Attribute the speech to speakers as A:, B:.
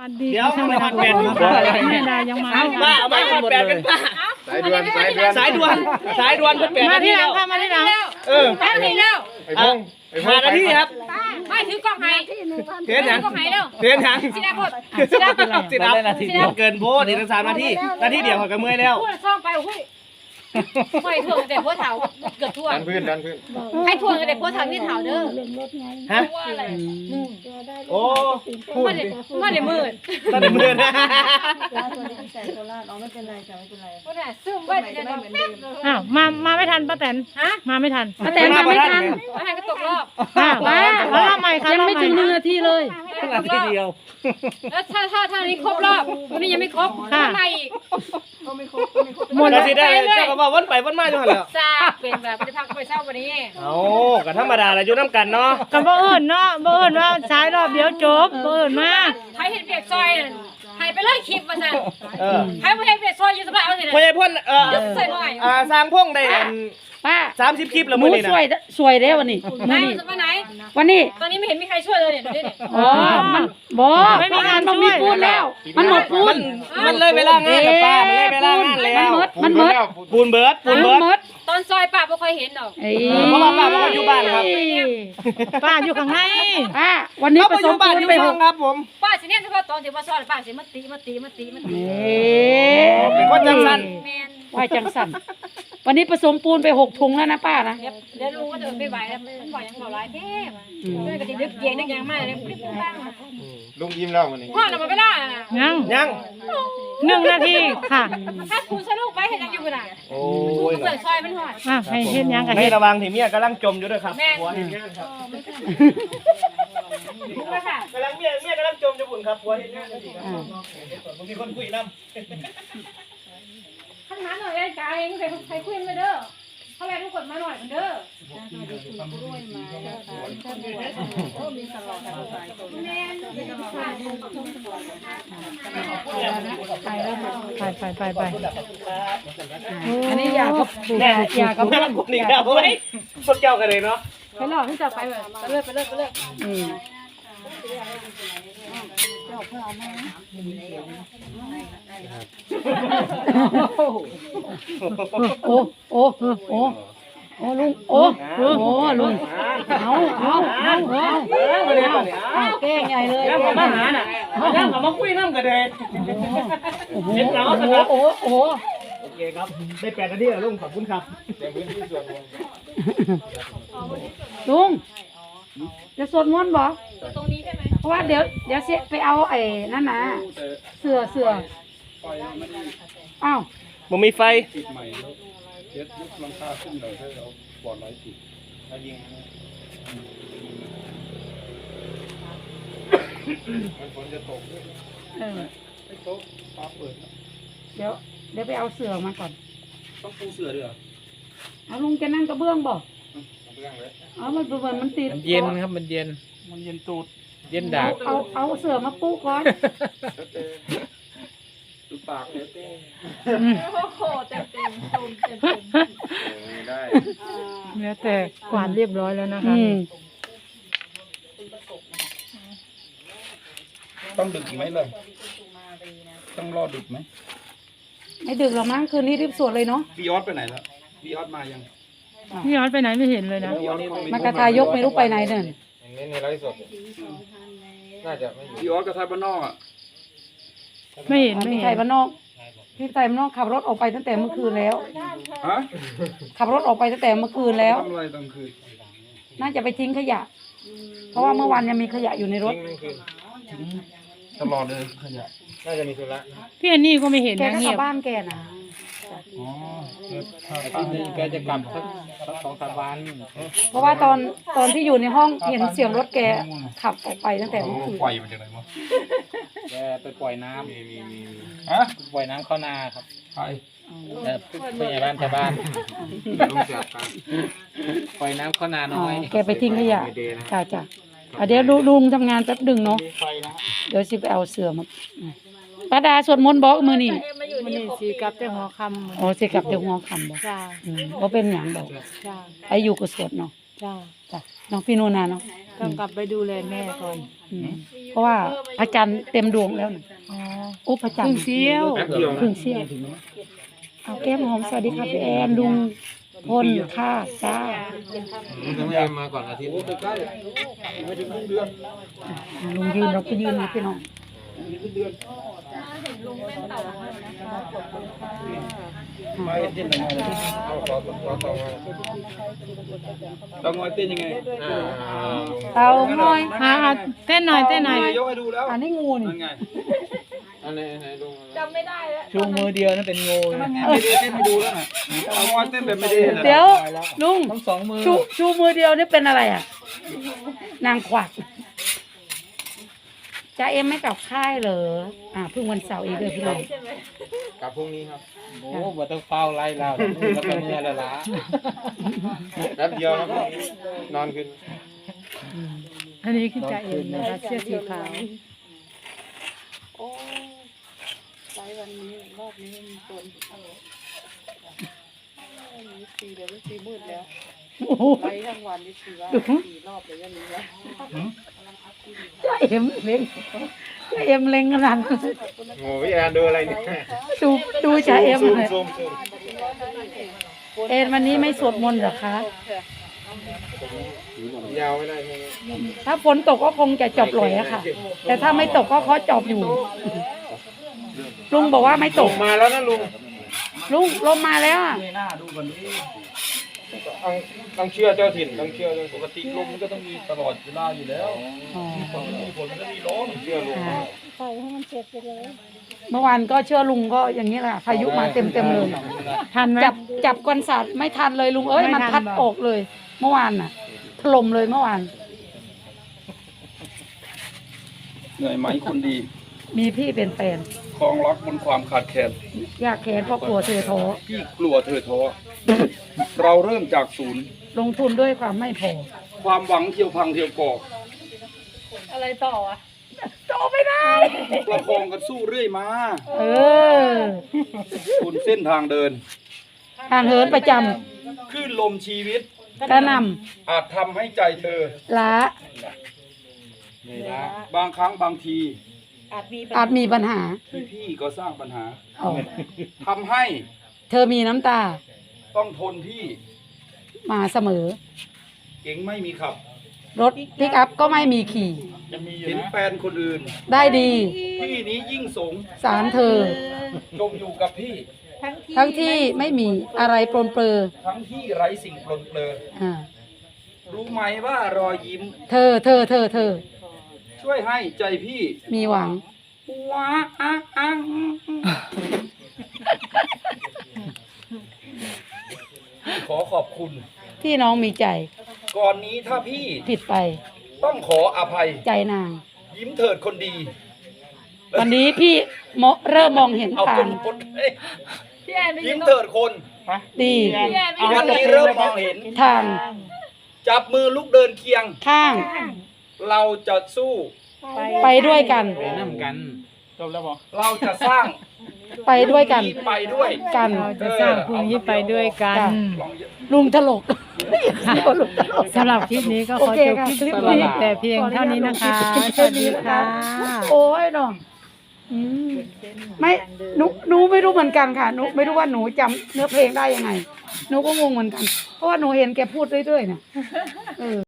A: เดี๋ยวทำไมทำแปดแม่ดายังมาป้าเอาไปทำแปดเป็นป้าสายด่วนเพิ่งแปดมาที่หลังค่ะมาที่หลัง
B: ตั้งนี่แล้ว
A: หานาทีครับ
B: ไม่ถือกล้องให้
A: เทียนยังเทียนยังสิดานาทีเกินโพดอีกตั้ง3 นาทีเดียวเขาก็เมื่อยแล้ว
B: พูดซ่องไปโอ้ยไม่ถ่วงแต่พวกเถาเกือบถ่วง
C: ดันพื้น
B: ให้ถ่วงแต่พวกเถาที่เถาเด้อ
A: ฮะโอ้พูด
B: มาเดี๋ยวมืด
A: ตอนนี้มืดนะ
D: ใส่โคราชอ๋อไม่เป็นไรจ้ะไม่เป็นไร
B: พวกน่ะซึมไว้จะได้
E: อ้าวมาไม่ทันป้าแตนมาไม่ทัน
B: ป้าแตนมาไม่ทันก็ตกรอบ
E: ว้าแล้วทำไมคะยังไม่ถึง1 นาทีเลย
A: นาทีเดียว
B: แล้วถ้านี้ครบรอบวันนี้ยังไม่ครบอะไรอีก
A: หมดแล้วสิได้เจ้าก็บอกวนไปวนมาอยู่หั่นแหละ
B: จ้าเป็นแบบไปพักไปเช้าวันนี้
A: ก็ธรรมดาแหละอยู่นำกันเนาะ
E: ก็บ่เอิ้นเนาะบ่เอิ้นว่าสายรอบเดียวจบบ่เอิ้นมา
B: ใครเห็นเปียกซอยให้ไปเลยคลิปว่าซั่นใครบ่เห็นเปียกซอยอยู่สบายเอาสิ
A: พ่อใหญ่พ่น
B: ใส่หน่อย
A: สร้างพ่งได้
D: ป้า
A: 30 คลิปแล้วมื้อนี้นะ
D: สวยเด้วันนี้
B: มื้อนี้วันไหน
D: วันนี้
B: ตอนนี้ไม่เห็นมีใครช่วยเลยเนี่ยดูดิ
D: อ๋อมันบ่ไม่มีงานมันมีพูดแล้วมันหมดพูด
A: มันเลยเวลางานกับป้ามันเลยเวลางานแล้ว
D: มันหมด
A: ปูนเบิร์ด
B: ตอนซอยป้าบ่ค่อยเห็นดอก
A: เพราะว่าป้าบ่อยู่บ้านครับ
E: ป้าอยู่ข้างใน
D: ป้าวันนี้ผสมปูนไป
A: 6ครับผม
B: ป้าสิเนี่ยเฉพาะตอนที่ว่าซอยป้าสิมาตี
A: เป็นคนจังซั่น
B: แม่น
D: ไหวจังสั่นวันนี้ผสมปูนไป6 ถุงแล้วนะป้านะ
B: เดี๋ยวลุงก็จะไม่ไหวแล้วมันบ่ยังบ่หลายแท้ด้วยก็สินึกเย็นนึกยังมากเลยปุ๊บบ้าง
C: ลุงยิ้มแล้ววันนี้
B: พ่อเราไม่ได้นะ
A: ยัง
E: 1 นาทีค่ะ
B: ถ้าคุณสนุกไปเห็นยังอยู่กันอ่ะ
A: โอ้ย
B: เปิดซอยมันหอด
E: ให้เฮ็ดยังกัน
A: ให้ระวังที่เมียกำลังจมอยู่ด้วยครับหัวเห็นงานครับกำลังเมียกำลังจมอยู่บุญครับหัวเห็นงานบางทีคนคุยน้ำ
B: ขันหาหน่อยไอ้กายเองใครคุยมาเด้อเขาแรงทุกคนมาหน่อยเด้อ
E: ไป
D: อันนี้อยากกับ
A: เพื่อนผมนี่แล้วเฮ้ยพวกเจ้ากันเลยเนาะ
B: ไปหลอกที่จะไปเรื่อย
D: ลุงลุงเอาแก้งใหญ่เลย
A: มาหาน่ะยังมาคุยน้ำกันเลยเห็นแล้วโอเคครับได้8 นาทีแล้วลุงขอบคุณครับ
D: ลุงจะสวดมนต์บ่
B: ตรงนี้ใช่ไหม
D: เพราะว่าเดี๋ยวไปเอาไอ้นั่นนะเสืออ้าว
A: มันมีไฟ
C: ติดใหม่แล้วเช็ดยุบหลังคาขึ้นหน่อยให้เราปลอดไร้ติดถ้ายิงมันฝนจะตกไม่ตกฟ้าเปิด
D: เดี๋ยวไปเอาเสือมาก่อน
C: ต้องปูเสือด้วย
D: เอาลุงจะนั่งกระเบื้องบ่
C: เบื้องเลย
D: มันติด
E: เย็นครับมันเย็นตูดเย็นดาก
D: เอาเสือมาปูก่อน
C: ดูปากเลยเต้
B: โอ้โหเต็ม
C: ได้
E: แล้วแต่กวาดเรียบร้อยแล้วนะคะ
C: ต้องดึกอีกไหมเลยต้องรอดึกไหม
D: ไม่ดึกหรอกมั้งคืนนี้รีบสวดเลยเนาะ
C: พี่ออสไปไหนแล้วพี่ออสมายัง
E: พี่ออสไปไหนไม่เห็นเลยนะ
D: มากระทายกไม่รู้ไปไหนเนี่ย
C: ในไลฟ์สดน่าจะไม่อยู่พี่ออสกระทายบ้านนอกอ่ะ
E: ไม่เห็น
D: ไทยบ้านนอกพี่ไทยบ้านนอกขับรถออกไปตั้งแต่เมื่อคืนแล้วขับรถออกไปตั้งแต่เมื่อคืนแล้ว
C: ทำอะไรตอนคืน
D: น่าจะไปทิ้งขยะเพราะว่าเมื่อวานยังมีขยะอยู่ในรถ
C: ตลอดเลยขยะน่าจะมีธุระ
E: พี่อันนี้ก็ไม่เห็น
D: แกก็กลับบ้านแกนะ
C: แกจะกลับสัก2-3 วัน
D: เพราะว่าตอนที่อยู่ในห้องเห็นเสียงรถแกขับออกไปตั้งแต่เมื่อคืน
C: ปล่อยมันจากไหนวะ
F: แกไปปล่อยน้ำปล่อยน้ำเข้านาครับ
C: ใช่
F: เป็นไงบ้านชาวบ้านปล่อยน้ำเข้านาน้อย
D: แกไปทิ้งขยะจ้ะเดี๋ยวลุงทำงานแป๊บดึงเนาะเดี๋ยวสิไปเอาเสือมาป้าดาสวดมนต์บอกมือนี่
E: สีกับแต่หัวคำ
D: สีกับแต่หัวคำบอกว่าเป็นอย่างบอกไออยู่กับสวดเนาะจ้ะน้องพี่นูนาเนาะ
E: ต้องกลับไปดูแลแม่ก่อน
D: เพราะว่าพระจันทร์เต็มดวงแล้วนะ
E: อ๋อ
D: โอ้พระจันท
E: ครึ่
D: ร์
E: งเสี้ยว
C: แป๊บเดียว
D: ครึ่งเสี้ยวเอาแก้มหอมสวัสดีครับพี่แอนลุงพลค่ะจ้า
F: ต้องให้มาก่อนอาทิตย์
C: โอ้ใกล้ไม่ถึงเดือน
D: ลุงยืนเราก็ยืนนะพี่น้อง
C: มาเห็นเต้นยังไงเอาต่อต้องงอยเต้นยังไง
D: เอาหน่อย
E: หาเต้นหน่อยเต้นหน่อย
C: ยกให้ดูแล้ว
D: อันนี้งูนี่
C: นั่นไง
F: อันไหนลุง
B: จำไม่ได้แล้ว
F: ชูมือเดียวนั่นเป็นงู
C: ไม่ได้เต้นไม่ดูแล้วนะเอางอยเต้นแบบไม่ได้นะ
D: เดี๋ยวลุง
F: ทั้งสองมือ
D: ชูมือเดียวนี่เป็นอะไรอ่ะ นางขวักจ้าเอ็มไม่กลับค่ายเหรอเพิ่งวันเสาร์อีกเลยพี่น้อง
F: กลับพรุ่งนี้ครับโอ้บ่ต้องเฝ้าไล่เราแล้วก็เมื่อละล้าแป๊บเดียวแล้วก็นอนขึ้น
E: อันนี้คือจ่าเอ็มนะคะเสื้อสีขาว
D: โอ้โหไปทั้งวันนี่4 รอบเลยยังมีวะจ้าเอ็มเล็งจ้าเอ็มเล็งขนาดนั้น
F: โง่พี่แอนดูอะไรเนี่ย
D: ดูจ้าเอ็ม
F: ซูม
D: เลย
F: ซูมซูม
D: เอ็นวันนี้ไม่สวดมนต์เหรอคะ
F: ยาวไม่ได้ใช่ไหม
D: ถ้าฝนตกก็คงจะจบลอยอะค่ะ แต่ถ้าไม่ตกก็เขาจบอยู่ ลุงบอกว่าไม่ต
F: ล
D: ก
F: งมาแล้วนะลุง
D: ลุงลมมาแล้วอะ
C: หน้าดูกันดิ
F: ต้องเชื่อเจ้าถิ่นต้องเชื่อเจ้า
C: ปกติลมมันก็ต้องมีตลอดเวลาอยู่แล้ว
D: อ๋อ
C: ฝนมันมีฝนมันก็มีลม
F: เชื่อลุง
D: เมื่อวานก็เชื่อลุงก็อย่างนี้แหละพายุมาเต็มเลย
E: ทันไหม
D: จับกวนสัตว์ไม่ทันเลยลุงเอ้ย
E: ไม่ทัน
D: มันพัด
E: บอก
D: ออกเลย เมื่อวานน่ะถล่มเลยเมื่อวาน
C: เหนื่อยไหมคนดี
D: มีพี่เป็นแฟน
C: คลองรักบนความขาดแคลน
D: อยากแขนเพราะกลัวเธอท้อ
C: พี่กลัวเธอท้อ เราเริ่มจากศูนย์
D: ลงทุนด้วยความไม่พอ
C: ความหวังเที่ยวพังเที่ยวก่อ
B: อะไรต่ออ่ะ
D: โตไม่ได้
C: ประคองกันสู้เรื่อยมา
D: เออ
C: บนเส้นทางเดิน
D: ทางเหินประจ
C: คลื่นลมชีวิต
D: ำกระหน
C: อาจทำให้ใจเธอ
D: ำล้า
F: เหนื่อยล้า
C: บางครั้งบางที
D: อาจมีปัญหา
C: พี่ก็สร้างปัญหา
D: อ๋อ
C: ทำให้
D: เธอมีน้ำตา
C: ต้องทนพี่
D: มาเสมอ
C: เก่งไม่มีขับ
D: รถพิกอัพก็ไม่มีขี่
C: เห็นแฟนคนอื่น
D: ได้ดี
C: พี่นี้ยิ่งสง
D: สารเธอ
C: จมอยู่กับพี่
D: ทั้งที่ไม่มีอะไรปรนเปรอ
C: ทั้งที่ไร้สิ่งปลนเปลือ
D: อ่า
C: รู้ไหมว่ารอยยิ้ม
D: เธอ
C: ช่วยให้ใจพี่
D: มีหวัง
C: ว้าอังขอขอบคุณ
D: ที่น้องมีใจ
C: ก่อนนี้ถ้าพี่
D: ผิดไป
C: ต้องขออภัย
D: ใจนาง
C: ยิ้มเถิดคนดี
D: วันนี้พี่เริ่มมองเห็น
C: เอา
D: ทา
C: ค
D: ง
C: นคนเอ้ย
B: พี่แอนไปยื
C: ยิ้
B: น
C: ม
B: ตรง
C: เถิดคน
D: ดี
B: พี่แอนไปยืน
C: วันนี้เริ่มมองเห็น
D: ทาง
C: จับมือลุกเดินเคียง
D: ข้าง
C: เราจะสู้
D: ไปด้วยกัน
F: ไปน้ำกันจบแล้วบอก
C: เราจะสร้าง
D: ไปด้วยกัน
C: ดีไปด้วย
D: กัน
E: เราจะสร้างพรุ่งนี้ไปด้วยกัน
D: จ้ะ
C: ลองเยอะ
D: ลุงถลก
E: สำหรับคลิปนี้ก็ขอ
D: โอเค
E: จบ
D: ค่ะ
E: คลิป
D: คลิปนี้
E: นี้แต่เพียงเท่านี้นะคะ สวัสดีค่ะ
D: โอ้ยน้องไม่หนูไม่รู้เหมือนกันค่ะหนูไม่รู้ว่าหนูจำเนื้อเพลงได้ยังไงหนูก็งงเหมือนกัน เพราะว่าหนูเห็นแกพูดเรื่อยๆเนี่ย